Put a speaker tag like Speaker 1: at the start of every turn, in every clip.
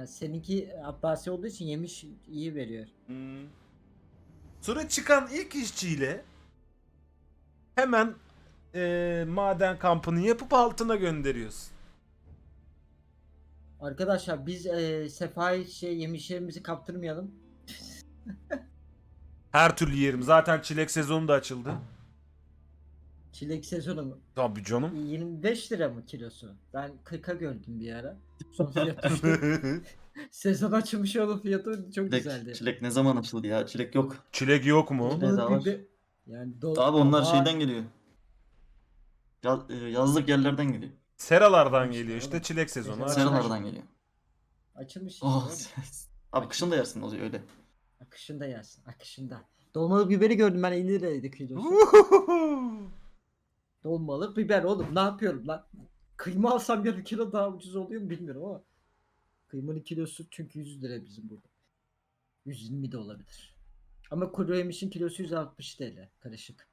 Speaker 1: Yani seninki Abbasi olduğu için yemiş iyi veriyor.
Speaker 2: Sonra çıkan ilk işçiyle hemen maden kampını yapıp altına gönderiyorsun.
Speaker 1: Arkadaşlar biz Sefa'yı yemişlerimizi kaptırmayalım.
Speaker 2: Her türlü yerim. Zaten çilek sezonu da açıldı.
Speaker 1: Çilek sezonu mu?
Speaker 2: Tabii canım.
Speaker 1: 25 lira mı kilosu? Ben 40'a gördüm bir ara. Son fiyat düştü. Sezon açılmış onun fiyatı çok güzeldi.
Speaker 3: Çilek ne zaman açıldı ya? Çilek yok.
Speaker 2: Çilek yok mu?
Speaker 3: Çilek daha var.
Speaker 1: Yani
Speaker 3: Abi onlar şeyden geliyor. Yazlık yerlerden geliyor.
Speaker 2: Seralardan
Speaker 1: İşte
Speaker 2: geliyor işte
Speaker 1: oğlum.
Speaker 2: çilek sezonu.
Speaker 1: Sera-
Speaker 2: açıldı.
Speaker 3: Seralardan geliyor.
Speaker 1: Açılmış işte.
Speaker 3: Oh.
Speaker 1: oğlum.
Speaker 3: Abi kışın da yersin o öyle.
Speaker 1: Akışında yersin. Akışında. Dolmalık biberi gördüm ben 50 liraydı kilosu. Dolmalık biber oğlum ne yapıyorum lan? Kıyma alsam yarı kilo daha ucuz oluyor mu bilmiyorum ama. Kıymanın kilosu çünkü 100 lira bizim burada. 120 de olabilir. Ama kuru yemişin kilosu 160 TL karışık.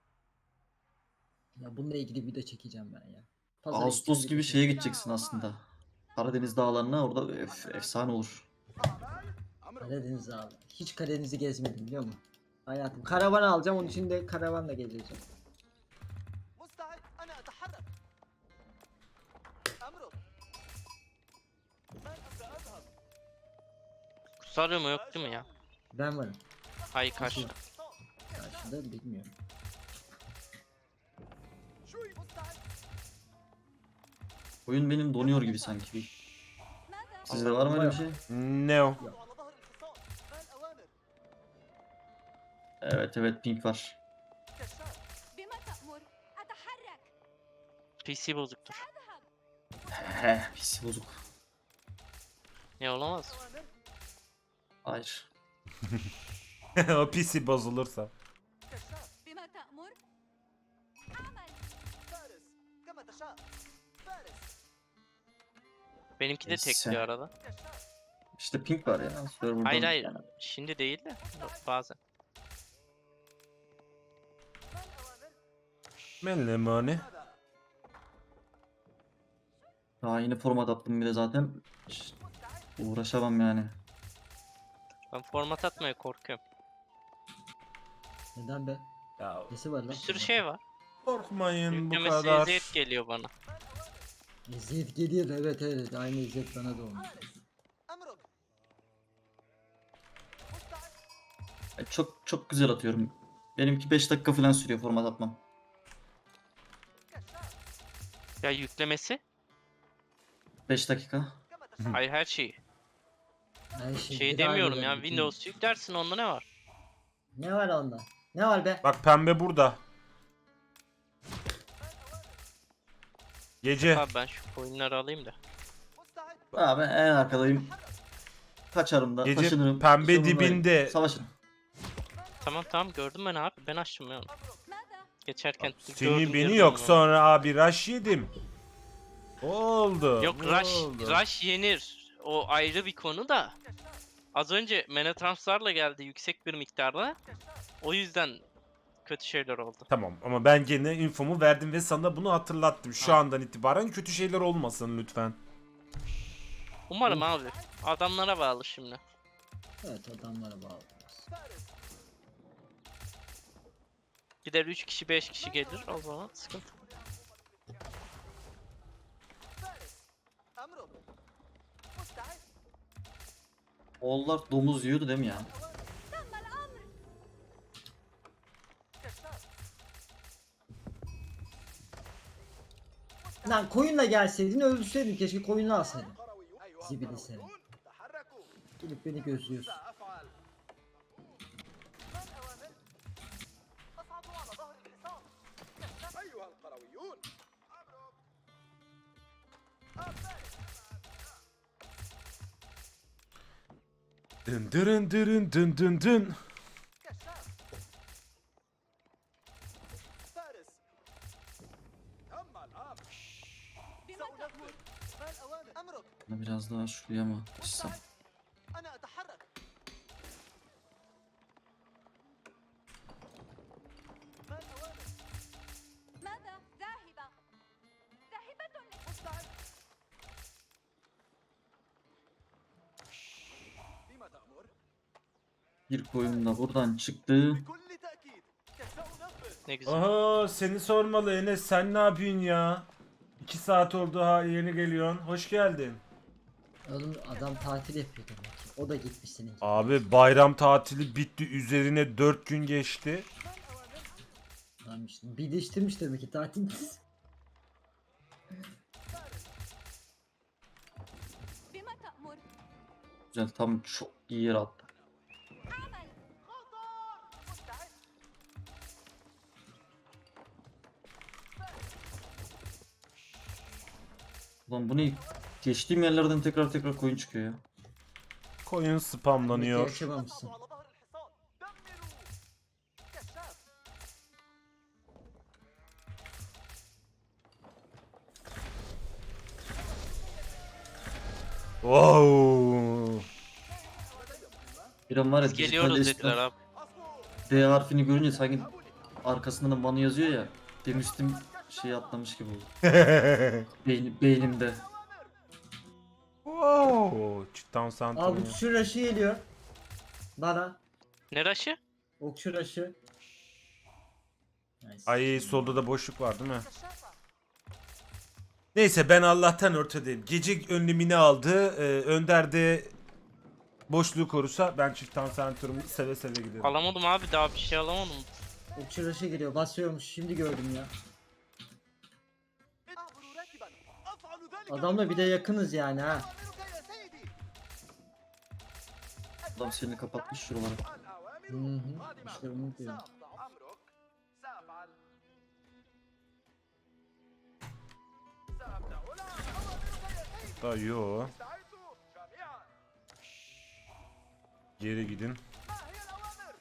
Speaker 1: Ya bununla ilgili bir de çekeceğim ben ya. Pazara
Speaker 3: Ağustos
Speaker 1: gideceğim,
Speaker 3: gibi
Speaker 1: bir
Speaker 3: şeye gideceksin aslında. Karadeniz dağlarına orada efsane olur.
Speaker 1: Karadeniz abi. Hiç Karadeniz'i gezmedim biliyor musun? Hayatım. Karavan alacağım onun için de karavanla geleceğim.
Speaker 4: مستعد أنا أتحرك أمرك من سأذهب
Speaker 5: Kusarıyor mu yok değil mi ya?
Speaker 1: Ben varım.
Speaker 5: Hayır karşı.
Speaker 1: Karşıda bilmiyorum.
Speaker 4: شوي مستعد
Speaker 3: Oyun benim donuyor gibi sanki. Sizde var mı öyle bir şey?
Speaker 2: Ne o?
Speaker 4: على ظهر الحصان ما الأوامر
Speaker 3: Evet pink var.
Speaker 4: كشاف
Speaker 6: بما تأمر أتحرك
Speaker 5: PC bozuktur.
Speaker 3: He pis bozuk.
Speaker 5: Ne olamaz?
Speaker 4: أوامر
Speaker 3: Hayır.
Speaker 2: O PC bozulursa.
Speaker 4: كشاف
Speaker 6: بما تأمر أعمل
Speaker 4: فارس كما تشاء فارس
Speaker 5: Benimki de
Speaker 3: Neyse.
Speaker 5: tekliyor arada.
Speaker 4: كشاف
Speaker 3: İşte pink var ya. Server'dan
Speaker 5: Hayır hayır.
Speaker 3: yani.
Speaker 5: Şimdi değil de bazen.
Speaker 4: ما الأوامر
Speaker 2: Mellemane.
Speaker 4: ماذا
Speaker 3: Daha yeni format attım bir de zaten. Uğraşamam yani.
Speaker 5: Ben format atmaya korkuyorum.
Speaker 1: Neden be?
Speaker 2: Ya
Speaker 1: Nesi var lan?
Speaker 5: Bir sürü şey var.
Speaker 2: korkmayın bu
Speaker 5: Yüklemesi
Speaker 2: kadar.
Speaker 5: eziyet geliyor bana.
Speaker 1: İzzet geliyor evet aynı İzzet bana da olmuş.
Speaker 4: أمرك مستعد
Speaker 3: Çok güzel atıyorum. Benimki 5 dakika falan sürüyor format atmam.
Speaker 4: كشاف
Speaker 5: Ya yüklemesi?
Speaker 3: 5 dakika.
Speaker 4: كما تشاء
Speaker 5: Hayır her şeyi.
Speaker 1: Her şey
Speaker 5: Şey
Speaker 1: bir
Speaker 5: demiyorum
Speaker 1: aynı
Speaker 5: ya.
Speaker 1: yani, bütün-
Speaker 5: Windows yüklersin onda ne var?
Speaker 1: Ne var onda? Ne var be?
Speaker 2: Bak pembe burada. Gece.
Speaker 5: Abi ben şu coinleri alayım da.
Speaker 4: مستعد
Speaker 3: Abi en arkadayım. Kaçarım da
Speaker 2: Gece
Speaker 3: taşınırım.
Speaker 2: pembe
Speaker 3: sorun değil.
Speaker 2: dibinde.
Speaker 3: Savaşırım.
Speaker 5: Tamam gördüm ben abi. Ben açtım ya onu.
Speaker 6: ماذا؟
Speaker 5: Geçerken
Speaker 2: Seni
Speaker 5: gördüm,
Speaker 2: beni
Speaker 5: girdim
Speaker 2: yok
Speaker 5: ona.
Speaker 2: sonra abi rush yedim. Oldu.
Speaker 5: Yok
Speaker 2: oldu.
Speaker 5: Rush yenir. O ayrı bir konu da. Az önce mana transferla geldi yüksek bir miktarda. O yüzden kötü şeyler oldu.
Speaker 2: Tamam ama ben gene infomu verdim ve sana bunu hatırlattım. Şu
Speaker 5: Ha.
Speaker 2: andan itibaren kötü şeyler olmasın lütfen.
Speaker 5: Umarım abi. Adamlara bağlı şimdi.
Speaker 1: Evet adamlara bağlı.
Speaker 5: Gider 3 kişi 5 kişi gelir o zaman sıkıntı.
Speaker 4: فارس أمرك مستعد
Speaker 3: Oğullar domuz yiyordu değil mi ya?
Speaker 6: تم الأمر
Speaker 4: كشاف
Speaker 1: Lan koyunla gelseydin öldürseydin keşke koyunu alsaydın.
Speaker 4: أيها
Speaker 1: زبل سنة.
Speaker 4: القرويون تحركوا
Speaker 1: Gelip beni gözlüyorsun.
Speaker 4: سأفعل ما الأوامر أصعد على ظهر الحصان كشاف أيها القرويون فارس
Speaker 2: Dın dırın dırın dın dın dın.
Speaker 4: كشاف فارس تم الأمر
Speaker 6: بما تأمر
Speaker 4: ما الأوامر أمرك
Speaker 3: Biraz daha şuraya mı açsam?
Speaker 4: أنا أتحرك ما الأوامر
Speaker 6: ماذا؟ ذاهبة ذاهبة
Speaker 4: مستعد
Speaker 3: Bir koyun da buradan çıktı.
Speaker 4: بكل تأكيد سأنفذ.
Speaker 5: Ne güzel.
Speaker 2: Aha seni sormalı Enes, sen ne yapıyorsun ya? 2 saat oldu, ha yeni geliyorsun. Hoş geldin.
Speaker 1: Oğlum adam tatil yapıyor demek ki. O da gitmiş senin gibi.
Speaker 2: Abi bayram tatili bitti, üzerine 4 gün geçti.
Speaker 1: Tamam işte. Birleştirmiş demek ki tatil.
Speaker 6: بما تأمر.
Speaker 3: Güzel, tam çok iyi yer attı.
Speaker 6: أعمل.
Speaker 4: مستعد.
Speaker 3: Ulan bu ne? Geçtiğim yerlerden tekrar koyun çıkıyor ya.
Speaker 2: Koyun spamlanıyor.
Speaker 1: Yaşamamışsın.
Speaker 4: على ظهر الحصان. دمروا. كشاف.
Speaker 2: Wow.
Speaker 3: Bir an var ya,
Speaker 5: Biz geliyoruz
Speaker 3: dijital
Speaker 5: dediler
Speaker 3: esnaf
Speaker 5: abi.
Speaker 3: D harfini görünce sanki arkasında da manı yazıyor ya. Demiştim şey atlamış gibi oldu. Beynimde.
Speaker 2: Wow. Cidden
Speaker 1: Abi
Speaker 2: santim.
Speaker 1: okçu raşı geliyor. Bana.
Speaker 5: Ne raşı?
Speaker 1: Okçu raşı. Nice.
Speaker 2: Ay solda da boşluk var değil mi? Neyse ben Allah'tan ortadayım. Gece önlemini aldı. Önder de boşluğu korusa ben çift tansantörümü seve seve giderim.
Speaker 5: Alamadım abi, daha bir şey alamadım.
Speaker 1: Okçu raşı geliyor. Basıyormuş. Şimdi gördüm ya.
Speaker 4: أعبر راكبا. أفعل ذلك.
Speaker 1: Adamla bir de yakınız yani ha.
Speaker 4: أوامرك يا سيدي.
Speaker 3: Adam seni kapatmış şuralara.
Speaker 4: الأوامر
Speaker 1: Hı hı.
Speaker 4: قادمة.
Speaker 1: İşte onu diyorum.
Speaker 4: سأضع أمرك. سأفعل. سأبدأ الآن. أوامرك يا سيدي.
Speaker 2: Da yo.
Speaker 4: استعدوا جميعا.
Speaker 2: Geri gidin.
Speaker 4: ما هي الأوامر؟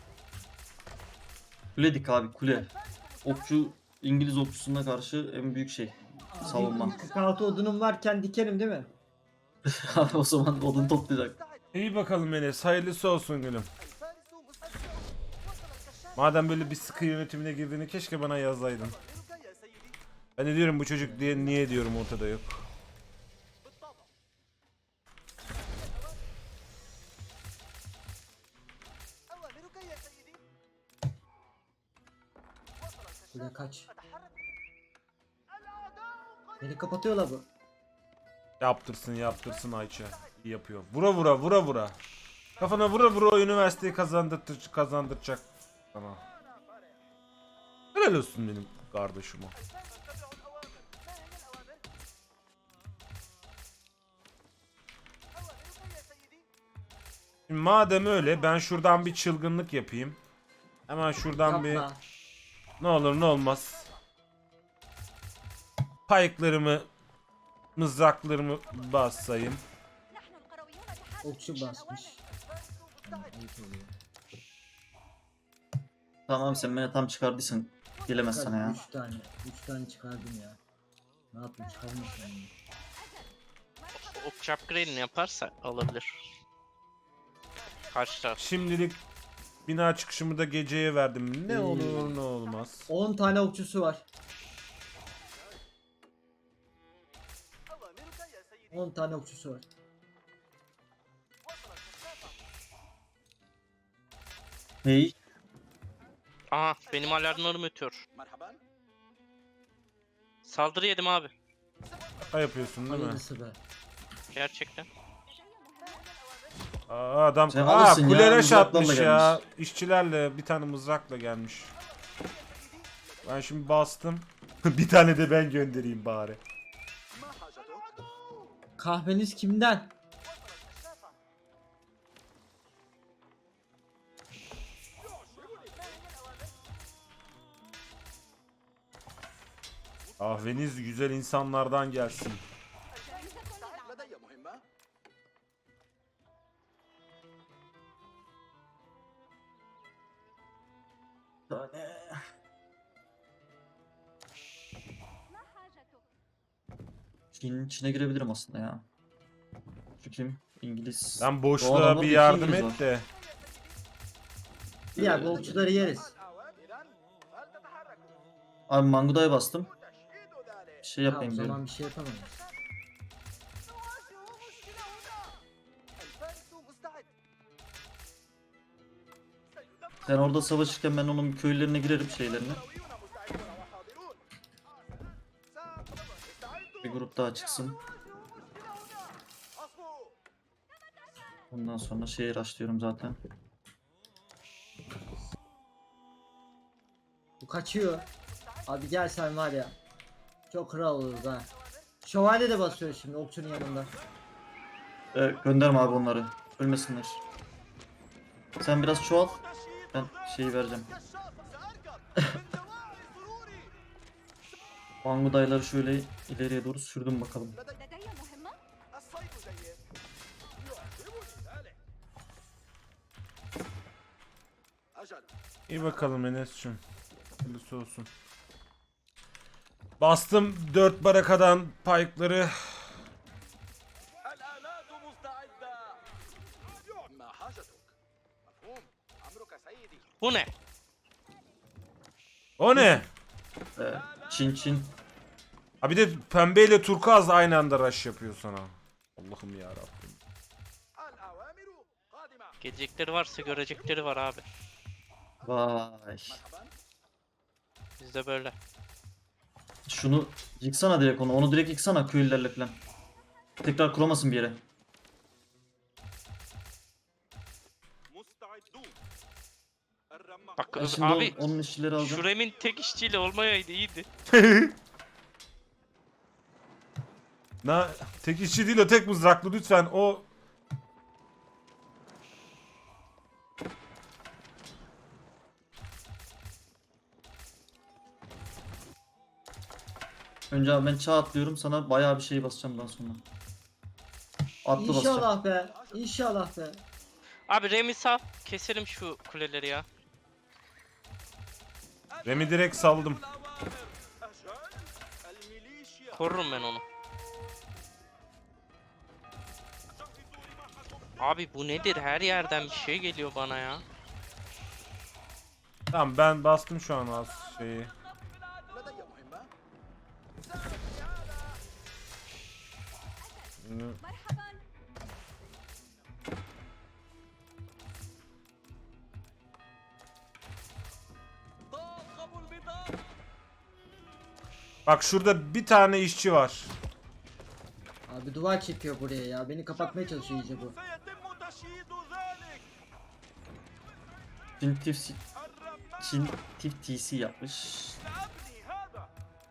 Speaker 3: Kuledik abi, kule. Okçu, İngiliz okçusuna karşı en büyük şey. Savunma.
Speaker 1: 46 odunum varken dikerim değil mi?
Speaker 3: Abi o zaman odun toplayacak.
Speaker 4: مستعد.
Speaker 2: İyi bakalım Enes. Hayırlısı olsun gülüm.
Speaker 4: الفارس مستعد. وصل الكشاف.
Speaker 2: Madem böyle bir sıkı yönetimine girdiğini keşke bana yazsaydın.
Speaker 4: أوامرك يا سيدي.
Speaker 2: Ben de diyorum bu çocuk diye niye diyorum ortada yok.
Speaker 4: بالطبع. أوامرك يا سيدي. وصل
Speaker 1: Buraya
Speaker 4: الكشاف.
Speaker 1: kaç.
Speaker 4: أتحرك. الأعداء قريبون.
Speaker 1: Beni kapatıyorlar bu.
Speaker 2: Yaptırsın Ayça. İyi yapıyor. Vura. Kafana vura üniversiteyi kazandıracak. Tamam. Helal olsun benim kardeşime.
Speaker 4: اتبعوا الأوامر. ما هي الأوامر؟ أوامرك يا سيدي.
Speaker 2: Şimdi madem öyle ben şuradan bir çılgınlık yapayım. Hemen şuradan bir
Speaker 1: Yapma.
Speaker 2: ne olur ne olmaz. Payıklarımı, mızraklarımı bassayım.
Speaker 6: نحن القرويون بحاجة
Speaker 1: Okçu
Speaker 6: إلى
Speaker 1: basmış.
Speaker 6: الأوامر.
Speaker 1: Yani ayıp oluyor.
Speaker 3: Tamam, sen beni tam çıkardıysan gelemez sana ya.
Speaker 1: 3 tane. 3 tane çıkardım ya. Ne yapayım çıkarmasam mı?
Speaker 5: Ok upgrade'ini yaparsa alabilir. Karşı taraf.
Speaker 2: Şimdilik bina çıkışımı da geceye verdim. Ne olur ne olmaz.
Speaker 1: 10 tane okçusu var.
Speaker 4: أوامرك يا سيدي.
Speaker 1: 10 tane okçusu var.
Speaker 4: وصل الكشاف.
Speaker 3: Hey,
Speaker 5: Aha, benim alarmlarım ötüyor.
Speaker 4: مرحبا.
Speaker 5: Saldırı yedim abi.
Speaker 2: Ha yapıyorsun değil mi?
Speaker 1: Hayırlısı be.
Speaker 5: Gerçekten.
Speaker 2: Aa, adam
Speaker 3: Sen alırsın ya,
Speaker 2: kuleleş
Speaker 3: mızraklarla
Speaker 2: atmış ya.
Speaker 3: gelmiş.
Speaker 2: İşçilerle bir tane mızrakla gelmiş. Ben şimdi bastım. Bir tane de ben göndereyim bari.
Speaker 4: ما حاجتك؟
Speaker 1: Kahveniz kimden?
Speaker 2: Kahveniz güzel insanlardan gelsin.
Speaker 4: لدي مهمة.
Speaker 6: ما حاجتك؟
Speaker 3: Çin'in içine girebilirim aslında ya. Şu kim? İngiliz.
Speaker 2: Sen
Speaker 3: O
Speaker 2: boşluğa
Speaker 3: adamda
Speaker 2: bir
Speaker 3: iki
Speaker 2: yardım
Speaker 3: İngiliz
Speaker 2: et
Speaker 3: var.
Speaker 2: de.
Speaker 1: Ya bu okçuları yeriz.
Speaker 4: الأعوام إذن فلتتحركوا.
Speaker 3: Abi Manguda'ya bastım.
Speaker 4: وتشييد ذلك.
Speaker 3: Bir şey
Speaker 1: Ya o
Speaker 3: yapayım
Speaker 1: zaman
Speaker 3: diyorum.
Speaker 1: bir şey yapamayız.
Speaker 4: نواجه مشكلة هنا. الفارس مستعد.
Speaker 3: Sen orada savaşırken ben onun köylerine girerim şeylerine. Bir grup daha çıksın. Ondan sonra şehir açlıyorum zaten.
Speaker 1: Bu kaçıyor. Abi gel sen var ya. Çok kral oluruz ha. Şövalye de basıyor şimdi okçunun yanında.
Speaker 3: Gönderme abi onları. Ölmesinler. Sen biraz çoğal. Ben şeyi vereceğim. Bangudayları şöyle ileriye doğru sürdüm bakalım.
Speaker 6: لدي مهمة.
Speaker 4: الصيد جيد. يعجبني ذلك. أجل.
Speaker 2: İyi bakalım Enes'cim. Hayırlısı olsun. Bastım 4 barakadan pike'ları.
Speaker 4: الآلات مستعدة. ما حاجتك؟ مفهوم. أمرك سيدي.
Speaker 5: Bu ne?
Speaker 2: O ne?
Speaker 3: Çin Çin.
Speaker 2: Ha bir de pembeyle turkuaz aynı anda rush yapıyor sana. Allah'ım ya Rabbim.
Speaker 4: الأوامر قادمة.
Speaker 5: Gelecekleri varsa görecekleri var abi.
Speaker 3: Vay.
Speaker 4: مرحبا.
Speaker 5: Bizde böyle.
Speaker 3: Şunu yıksana direkt onu. Onu direkt yıksana köylülerle falan. Tekrar kuramasın bir yere.
Speaker 4: مستعدون. الرمح.
Speaker 5: Bak
Speaker 3: Ben şimdi
Speaker 5: abi
Speaker 3: onun işçileri alacağım.
Speaker 5: Şurem'in tek işçiyle olmayaydı iyiydi.
Speaker 2: Tek işçi değil o, tek mızraklı lütfen o.
Speaker 3: Önce abi ben çağ atlıyorum. Sana bayağı bir şey basacağım daha sonra. Atlı basacağım.
Speaker 1: İnşallah be. İnşallah be.
Speaker 5: Abi Rem'i sal. Keselim şu kuleleri ya.
Speaker 2: Remi direkt saldım.
Speaker 4: أجل. الميليشيا.
Speaker 5: Korurum ben onu. Abi bu nedir? Her yerden bir şey geliyor bana ya.
Speaker 2: Tamam ben bastım şu an az şeyi.
Speaker 4: لدي مهمة.
Speaker 6: مرحبا.
Speaker 4: طاقم البطاقة.
Speaker 2: Bak şurada bir tane işçi var.
Speaker 1: Abi duvar çekiyor buraya ya. Beni kapatmaya çalışıyor iyice bu.
Speaker 4: سيتم تشييد ذلك.
Speaker 3: Çin tif,
Speaker 4: الرمح.
Speaker 3: Çin tif TC yapmış.
Speaker 4: سأبني هذا.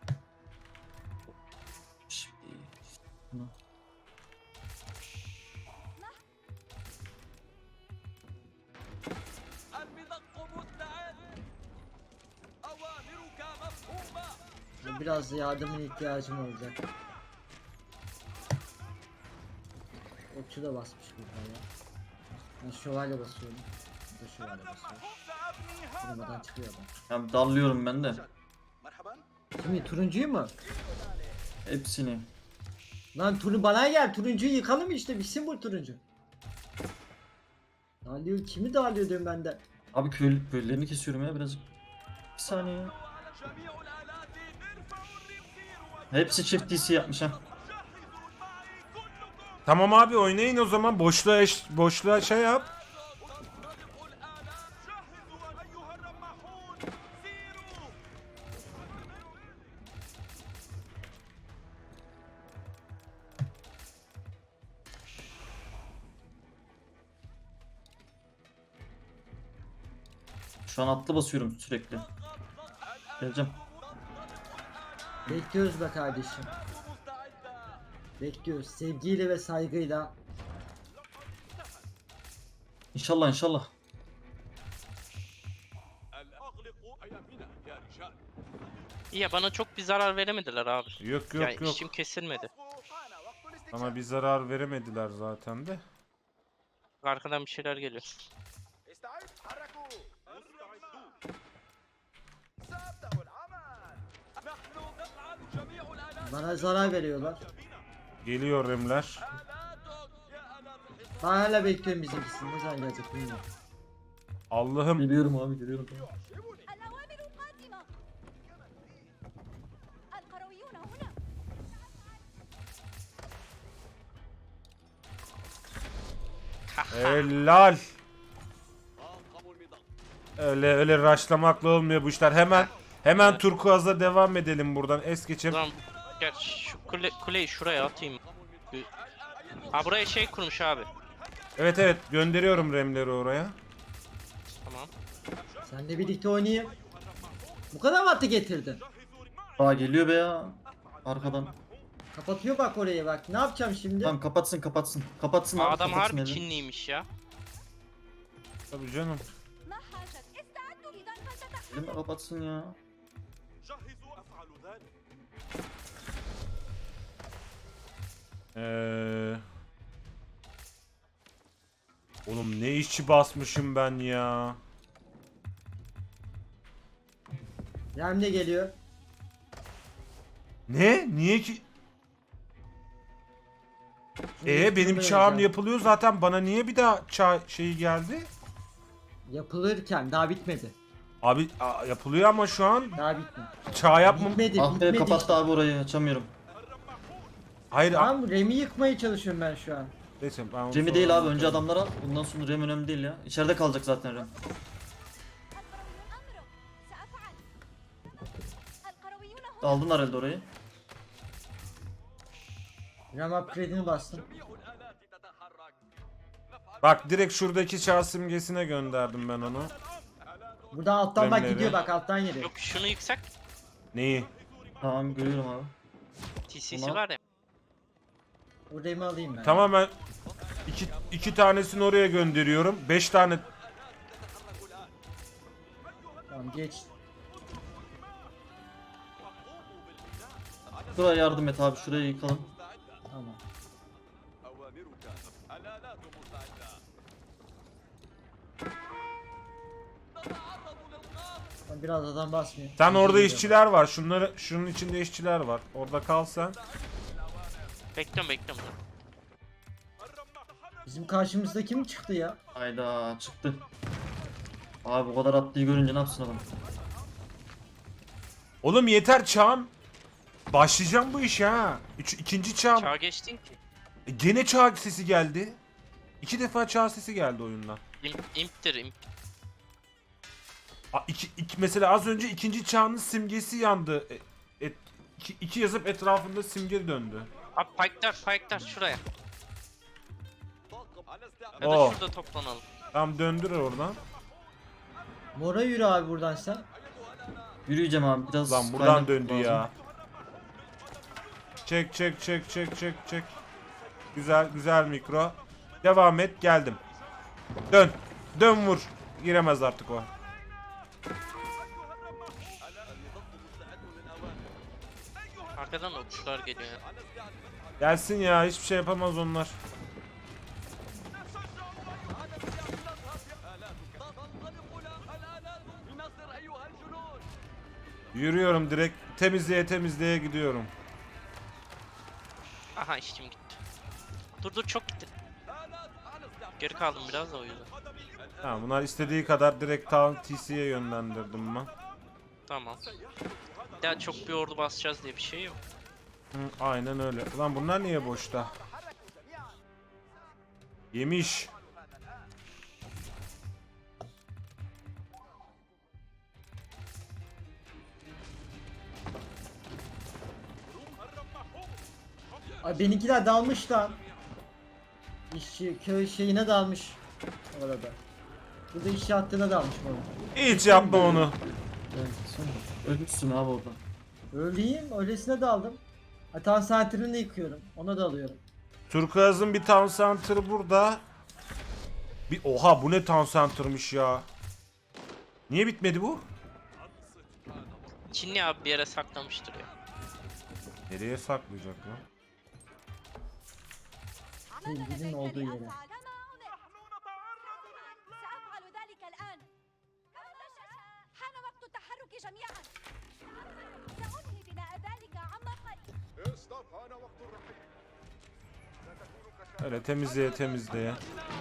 Speaker 3: Şimdi bunu-
Speaker 4: المدق مستعد. أوامرك مفهومة.
Speaker 1: Biraz yardımın ihtiyacım olacak. Okçu da basmış burada ya. Ben şövalye basıyorum. Bu da şövalye basıyor.
Speaker 4: سأبني هذا.
Speaker 1: Durmadan çıkıyor adam.
Speaker 3: Ya dallıyorum ben de.
Speaker 4: مرحبا.
Speaker 1: Kimi turuncuyu mu?
Speaker 3: Hepsini.
Speaker 1: Lan bana gel, turuncuyu yıkalım işte, bitsin bu turuncu. Dağılıyor, kimi dağılıyor diyorum ben de.
Speaker 3: Abi köylülerini kesiyorum ya birazcık. Bir saniye ya.
Speaker 4: وعلى جميع الآلات ارفعوا الرمسير.
Speaker 3: Hepsi çift TC yapmış ha.
Speaker 4: وجهزوا معي كلكم.
Speaker 2: Tamam abi oynayın o zaman, boşluğa şey yap.
Speaker 4: تنطلق الآلات. جهزوا أيها الرماحون. سيروا.
Speaker 3: Şu an atlı basıyorum sürekli. Geleceğim.
Speaker 1: Bekliyoruz be kardeşim.
Speaker 4: مستعدة.
Speaker 1: Bekliyoruz sevgiyle ve saygıyla.
Speaker 3: İnşallah inşallah.
Speaker 4: أغلقوا أيامنا يا رجال.
Speaker 5: İyi ya, bana çok bir zarar veremediler abi.
Speaker 2: Yok
Speaker 5: Yani
Speaker 2: yok yok.
Speaker 5: işim kesilmedi.
Speaker 4: حان وقت الاستكشاف.
Speaker 2: Ama bir zarar veremediler zaten de.
Speaker 5: Arkadan bir şeyler geliyor.
Speaker 4: استعد. حركوا. مستعدون. سأبدأ العمل. نحن نفعل جميع الآلات.
Speaker 1: Bana zarar veriyorlar.
Speaker 2: Geliyor remler.
Speaker 4: آلاتك يا أنا الحصان.
Speaker 1: Ben hala bekliyorum bizimkisini. Ne zaman gelecek bilmiyorum.
Speaker 2: Allah'ım.
Speaker 3: Geliyorum abi geliyorum.
Speaker 4: يعجبني.
Speaker 6: الأوامر قادمة. القرويون هنا.
Speaker 2: Helal.
Speaker 4: طاقم المضاد.
Speaker 2: Öyle rushlamakla olmuyor bu işler. Hemen turkuaz'a devam edelim buradan. Es geçim.
Speaker 5: Ulan gel şu kuleyi şuraya atayım. Ha buraya şey kurmuş abi.
Speaker 2: Evet gönderiyorum remleri oraya.
Speaker 5: Tamam.
Speaker 1: Seninle birlikte oynayayım. Bu kadar mı atı getirdin?
Speaker 3: Aa geliyor be ya. Arkadan.
Speaker 1: Kapatıyor bak oraya bak. Ne yapacağım şimdi?
Speaker 3: Tamam kapatsın. Kapatsın abi,
Speaker 5: Adam
Speaker 3: kapatsın
Speaker 5: harbi
Speaker 3: elini.
Speaker 5: Çinliymiş ya.
Speaker 2: Tabii canım.
Speaker 6: ما حاجة استعدوا إذا فلتتحركوا.
Speaker 3: Elini kapatsın ya.
Speaker 4: جهزوا أفعل ذلك.
Speaker 2: Oğlum ne işçi basmışım ben ya.
Speaker 1: Rem de geliyor.
Speaker 2: Ne? Niye ki?
Speaker 1: Şimdi
Speaker 2: Benim
Speaker 1: şunu
Speaker 2: çağım
Speaker 1: oynayacağım.
Speaker 2: yapılıyor zaten. Bana niye bir daha çağ şeyi geldi?
Speaker 1: Yapılırken daha bitmedi.
Speaker 2: Abi yapılıyor ama şu an
Speaker 1: Daha bitmedi.
Speaker 2: çağ yapmam.
Speaker 1: Bitmedi.
Speaker 3: Ah be
Speaker 1: bitmedi
Speaker 3: kapattı
Speaker 1: işte.
Speaker 3: abi orayı, açamıyorum.
Speaker 2: Hayır.
Speaker 1: Tamam Rem'i yıkmaya çalışıyorum ben şu an.
Speaker 2: Neyse ben onu
Speaker 3: Remi
Speaker 2: sonra
Speaker 3: değil abi, önce
Speaker 2: anlatırım.
Speaker 3: adamlar al. Bundan sonra Rem önemli değil ya. İçeride kalacak zaten Rem.
Speaker 6: القرويون أمرك سأفعل. القرويون هنا.
Speaker 3: Aldılar elde orayı.
Speaker 1: Rem upgrade'ini bastım.
Speaker 4: الآلات تتحرك.
Speaker 2: Bak direkt şuradaki çağ simgesine gönderdim ben onu.
Speaker 1: Buradan alttan bak
Speaker 2: Remleri.
Speaker 1: gidiyor bak alttan geliyor.
Speaker 5: Yok şunu yüksak.
Speaker 2: Neyi?
Speaker 3: Tamam görüyorum abi.
Speaker 5: TC'si
Speaker 3: Tamam.
Speaker 5: var ya.
Speaker 1: O Rem'i alayım ben.
Speaker 2: Tamam ben iki tanesini oraya gönderiyorum. 5 tane
Speaker 1: Tamam geç.
Speaker 3: Şuraya yardım et abi, şurayı yıkalım.
Speaker 1: Tamam.
Speaker 4: أوامرك. الآلات مستعدة. نتعرض للقصف.
Speaker 1: Ben biraz adam basmıyor.
Speaker 2: Sen orada
Speaker 1: Geliyor.
Speaker 2: işçiler var. Şunun içinde işçiler var. Orada kal sen.
Speaker 5: Bekliyorum.
Speaker 1: Bizim karşımızda kim çıktı ya?
Speaker 3: Hayda çıktı. Abi bu kadar atlıyı görünce ne yapsın adam?
Speaker 2: Oğlum yeter çağım. Başlayacağım bu işe ha. İkinci çağım.
Speaker 5: Çağ geçtin ki.
Speaker 2: Gene çağ sesi geldi. 2 defa çağ sesi geldi oyundan.
Speaker 5: İmptir imp.
Speaker 2: Mesela az önce ikinci çağın simgesi yandı. İki yazıp etrafında simge döndü.
Speaker 5: Abi pike'lar şuraya.
Speaker 4: على استعداد.
Speaker 5: Ya da
Speaker 2: Oh.
Speaker 5: şurada toplanalım.
Speaker 2: Tam döndür oradan.
Speaker 1: Mora yürü abi buradan sen.
Speaker 3: Yürüyeceğim abi biraz.
Speaker 2: Lan buradan
Speaker 3: kaynak
Speaker 2: döndü
Speaker 3: lazım.
Speaker 2: ya. Çek. Güzel mikro. Devam et, geldim. Dön vur. Giremez artık o.
Speaker 5: Arkadan okçular geliyor.
Speaker 2: Gelsin ya, hiçbir şey yapamaz onlar.
Speaker 4: الآلات لنصر أيها الجنود.
Speaker 2: Yürüyorum direkt temizleye gidiyorum.
Speaker 5: Aha işçim gitti. Dur çok gitti. Geri kaldım biraz da o yüzden.
Speaker 2: Ha, bunlar istediği kadar direkt tam TC'ye yönlendirdim ben.
Speaker 5: Tamam. Ya çok bir ordu basacağız diye bir şey yok.
Speaker 2: Hı, aynen öyle. Ulan bunlar niye boşta? Yemiş.
Speaker 1: Ay benimkiler dalmış lan. İşçi köy şeyine dalmış. Orada. Burada işçi hattına dalmış orada.
Speaker 2: Hiç yapma onu.
Speaker 3: Evet, sen ölürsün abi orada.
Speaker 1: Öyleyim öylesine daldım. Hatan center'ını da yıkıyorum. Ona da alıyorum.
Speaker 2: Turkuaz'ın bir town center'ı burada. Oha bu ne town center'mış ya. Niye bitmedi bu?
Speaker 5: Çinli abi bir yere saklamıştır ya.
Speaker 2: Nereye saklayacak lan?
Speaker 1: Sevgilinin olduğu yere.
Speaker 6: سأفعل ذلك الآن. حان وقت التحرك جميعا. سأنهي بناء ذلك عما قريب.
Speaker 4: استطعن وقت الرحيل. ستكون
Speaker 2: Öyle temizleye.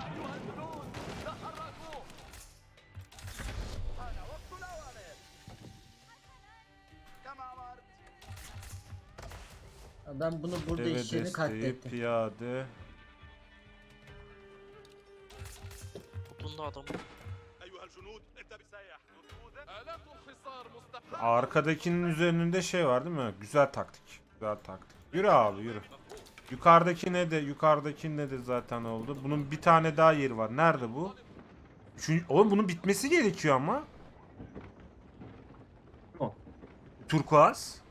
Speaker 1: Ben bunu burada
Speaker 2: Deve
Speaker 1: işçilerini
Speaker 2: desteği,
Speaker 1: katlettim.
Speaker 2: piyade.
Speaker 5: Tutunda adam.
Speaker 4: أيها
Speaker 2: Arkadakinin üzerinde şey var değil mi? Güzel taktik. Güzel taktik. Yürü abi yürü. Yukarıdaki ne de zaten oldu. Bunun bir tane daha yeri var. Nerede bu? Oğlum bunun bitmesi gerekiyor ama.
Speaker 3: O.
Speaker 2: Turkuaz.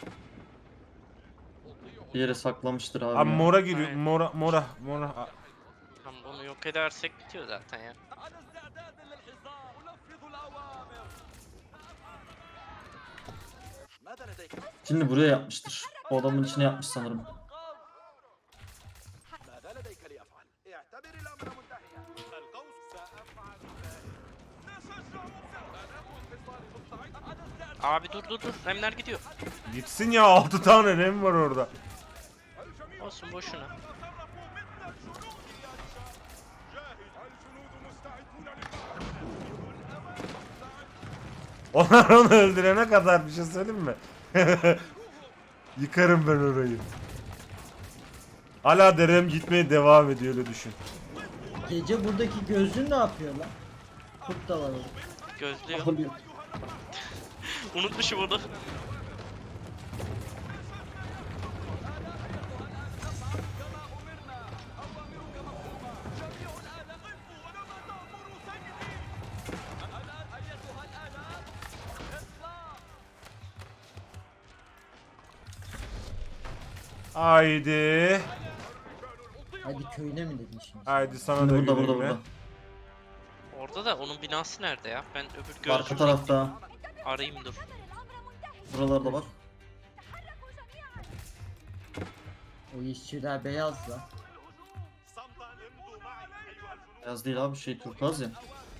Speaker 3: Bir yere saklamıştır abi.
Speaker 2: Abi
Speaker 3: ya.
Speaker 2: mora giriyor.
Speaker 5: Aynen.
Speaker 2: Mora.
Speaker 5: Tamam, bunu yok edersek bitiyor zaten ya.
Speaker 4: على استعداد للحصار أنفذ الأوامر ماذا لديك؟
Speaker 3: Şimdi buraya yapmıştır. O adamın içine yapmış sanırım.
Speaker 4: ماذا لديك لأفعل؟ اعتبر الأمر منتهيا القوس سأفعل ذلك نشجع الحصار مستعد على استعداد
Speaker 5: Abi dur. Remler gidiyor.
Speaker 2: Gitsin ya 6 tane rem var orada.
Speaker 5: Olsun boşuna.
Speaker 2: Onlar onu öldürene kadar bir şey söyleyeyim mi? Yıkarım ben orayı. Hala derem gitmeye devam ediyor öyle düşün.
Speaker 1: Gece buradaki gözlüğün ne yapıyor lan? Kurt da var orada.
Speaker 5: Gözlüyor.
Speaker 1: Alıyor.
Speaker 5: Unutmuşum onu.
Speaker 2: Haydi.
Speaker 1: Hadi köyüne mi dedin şimdi?
Speaker 2: Haydi sana
Speaker 3: Şimdi
Speaker 2: da
Speaker 3: burada
Speaker 2: güle
Speaker 3: burada
Speaker 2: güle.
Speaker 3: burada.
Speaker 5: Orada da onun binası nerede ya? Ben öbür
Speaker 3: Arka
Speaker 5: gözlüğü
Speaker 3: tarafta.
Speaker 5: arayayım dur.
Speaker 3: Buralarda bak.
Speaker 6: تحركوا جميعا.
Speaker 1: O işçiler beyaz lan.
Speaker 3: Beyaz değil abi şey turkuaz ya.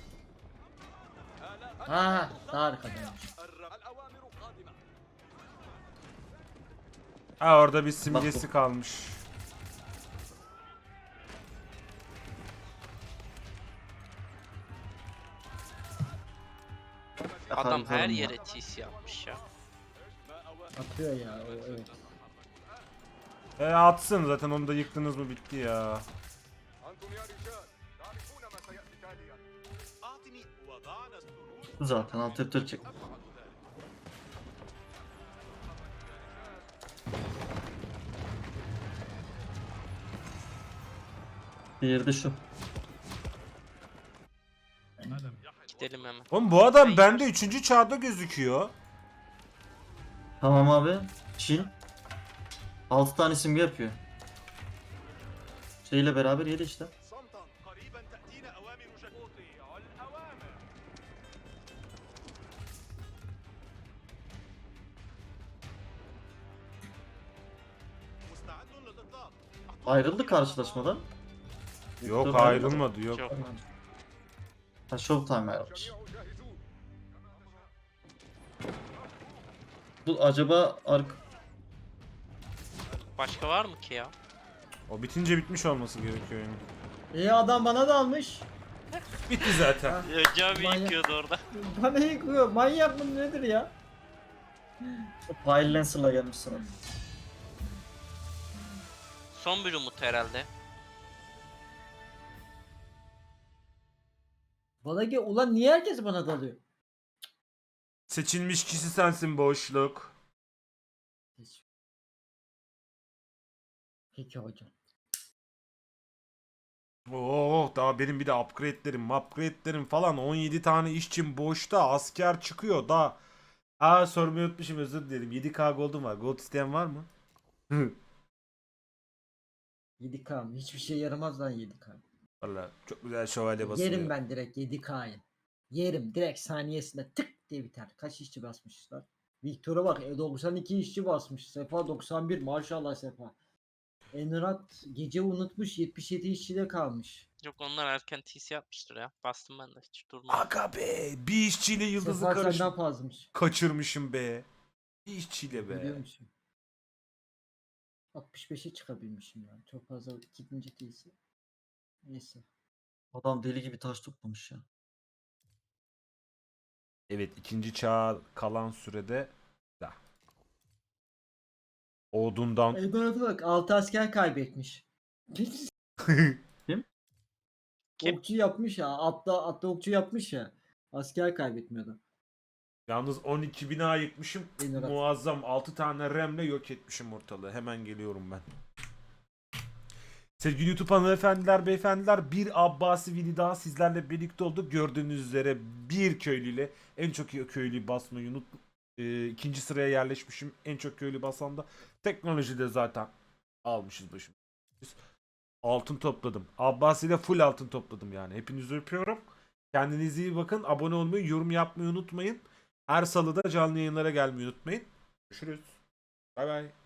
Speaker 1: Ha daha arkadaymış.
Speaker 4: الأوامر قادمة
Speaker 2: Ha orada bir simgesi kalmış.
Speaker 5: Adam her
Speaker 3: Yakarım
Speaker 5: yere TC yapmış ya.
Speaker 1: Atıyor ya o, evet.
Speaker 2: Atsın zaten onu da yıktınız mı bitti ya.
Speaker 4: أنتم يا رجال تعرفون ما سيأتي تاليا أعطني وضعنا السرور
Speaker 3: Bu zaten altı çek. Diğeri de şu.
Speaker 5: Gidelim hemen.
Speaker 2: Oğlum bu adam bende 3. çağda gözüküyor.
Speaker 3: Tamam abi. Çil. 6 tane simge yapıyor. Şeyle beraber yedi işte.
Speaker 4: صمتا قريبا تأتينا أوامر أطيع الأوامر مستعد للإطلاق
Speaker 3: Ayrıldı karşılaşmadan.
Speaker 2: Yok
Speaker 3: Victor
Speaker 2: ayrılmadı yok.
Speaker 5: Yok.
Speaker 3: Ha Showtime ayrılmış.
Speaker 4: جاهزون
Speaker 3: Bu acaba
Speaker 5: Başka var mı ki ya?
Speaker 2: O bitince bitmiş olması gerekiyor yani.
Speaker 1: Adam bana dalmış.
Speaker 2: Bitti zaten.
Speaker 5: Ya, cami
Speaker 1: Manyak.
Speaker 5: yıkıyordu orada.
Speaker 1: Bana yıkıyor. Manyak mı nedir ya?
Speaker 3: Pile Lancer'la gelmiş sana.
Speaker 5: Son bir umut herhalde.
Speaker 1: Bana ki ulan niye herkes bana dalıyor?
Speaker 2: Seçilmiş kişi sensin boşluk.
Speaker 1: Peki hocam.
Speaker 2: Oo daha benim bir de upgrade'lerim falan 17 tane işçim boşta asker çıkıyor da. Sormayı unutmuşum özür dilerim. 7K gold'um var. Gold isteyen var mı?
Speaker 1: 7K mı? Hiçbir şey yaramaz lan 7K.
Speaker 2: Valla çok güzel şövalye basıyor.
Speaker 1: Yerim ben direkt 7K'yı. Yerim direkt saniyesinde tık diye biter. Kaç işçi basmışlar? Victor'a bak 92 işçi basmış. Sefa 91 maşallah Sefa. Enrat gece unutmuş 77 işçide kalmış.
Speaker 5: Yok onlar erken TC yapmıştır ya. Bastım ben de hiç durmadım.
Speaker 2: Aga be bir işçiyle yıldızı
Speaker 1: Sefa senden fazlamış.
Speaker 2: kaçırmışım be. Bir işçiyle
Speaker 1: Biliyor
Speaker 2: be.
Speaker 1: musun? 65'e çıkabilmişim yani. Çok fazla gidince değilse. Neyse.
Speaker 3: Adam deli gibi taş toplamış ya.
Speaker 2: Evet 2. çağ kalan sürede da. Odundan
Speaker 1: Enrat'a bak 6 asker kaybetmiş.
Speaker 5: Kim?
Speaker 1: Okçu yapmış ya. Atla okçu yapmış ya. Asker kaybetmiyordu.
Speaker 2: Yalnız 12 bina yıkmışım.
Speaker 1: En rahat.
Speaker 2: Muazzam 6 tane RAM'le yok etmişim ortalığı. Hemen geliyorum ben. Sevgili YouTube hanımefendiler, beyefendiler, bir Abbasi video daha sizlerle birlikte olduk. Gördüğünüz üzere bir köylüyle en çok köylüyü basmayı ikinci sıraya yerleşmişim. En çok köylü basan da teknolojide zaten almışız başım. Altın topladım. Abbasi ile full altın topladım yani. Hepinizi öpüyorum. Kendinize iyi bakın. Abone olmayı, yorum yapmayı unutmayın. Her salıda canlı yayınlara gelmeyi unutmayın. Görüşürüz. Bay bay.